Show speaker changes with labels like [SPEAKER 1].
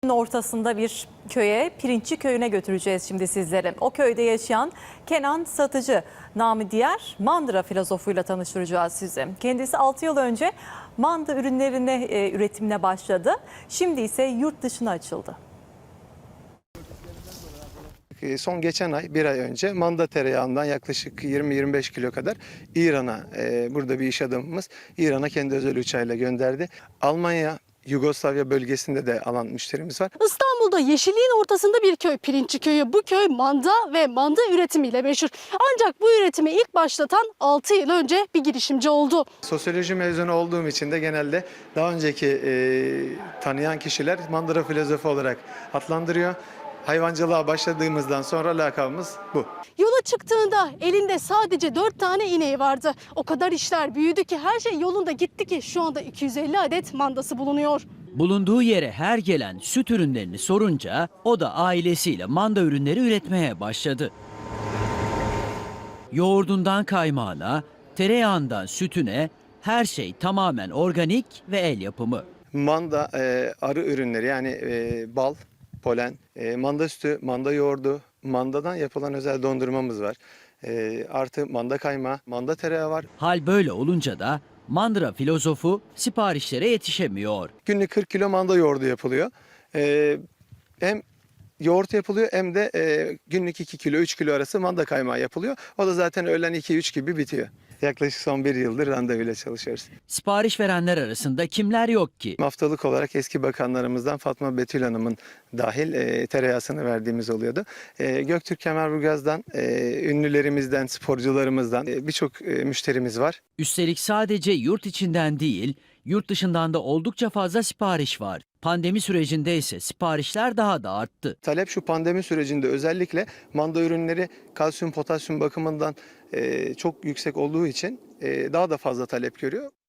[SPEAKER 1] Ortasında bir köye, Pirinççi köyüne götüreceğiz şimdi sizleri. O köyde yaşayan Kenan Satıcı, namı diğer Mandıra filozofuyla tanıştıracağız sizi. Kendisi 6 yıl önce manda üretimine başladı. Şimdi ise yurt dışına açıldı.
[SPEAKER 2] Son geçen ay, bir ay önce manda tereyağından yaklaşık 20-25 kilo kadar İran'a, burada bir iş adamımız İran'a kendi özel uçağıyla gönderdi. Almanya, Yugoslavya bölgesinde de alan müşterimiz var.
[SPEAKER 3] İstanbul'da yeşilliğin ortasında bir köy, Pirinççi köyü. Bu köy manda ve manda üretimiyle meşhur. Ancak bu üretimi ilk başlatan 6 yıl önce bir girişimci oldu.
[SPEAKER 2] Sosyoloji mezunu olduğum için de genelde daha önceki tanıyan kişiler mandıra filozofu olarak adlandırıyor. Hayvancılığa başladığımızdan sonra lakabımız bu.
[SPEAKER 3] Yola çıktığında elinde sadece 4 tane ineği vardı. O kadar işler büyüdü ki her şey yolunda gitti ki şu anda 250 adet mandası bulunuyor.
[SPEAKER 4] Bulunduğu yere her gelen süt ürünlerini sorunca o da ailesiyle manda ürünleri üretmeye başladı. Yoğurdundan kaymağına, tereyağından sütüne her şey tamamen organik ve el yapımı.
[SPEAKER 2] Manda arı ürünleri yani bal, polen, manda sütü, manda yoğurdu, mandadan yapılan özel dondurmamız var. Artı manda kaymağı, manda tereyağı var.
[SPEAKER 4] Hal böyle olunca da Mandıra filozofu siparişlere yetişemiyor.
[SPEAKER 2] Günlük 40 kilo manda yoğurdu yapılıyor. Hem yoğurt yapılıyor hem de günlük 2 kilo 3 kilo arası manda kaymağı yapılıyor. O da zaten öğlen 2-3 gibi bitiyor. Yaklaşık son 1 yıldır randevuyla çalışıyoruz.
[SPEAKER 4] Sipariş verenler arasında kimler yok ki?
[SPEAKER 2] Haftalık olarak eski bakanlarımızdan Fatma Betül Hanım'ın dahil tereyağısını verdiğimiz oluyordu. Göktürk Kemerburgaz'dan, ünlülerimizden, sporcularımızdan birçok müşterimiz var.
[SPEAKER 4] Üstelik sadece yurt içinden değil, yurt dışından da oldukça fazla sipariş var. Pandemi sürecinde ise siparişler daha da arttı.
[SPEAKER 2] Talep şu pandemi sürecinde özellikle manda ürünleri kalsiyum, potasyum bakımından çok yüksek olduğu için daha da fazla talep görüyor.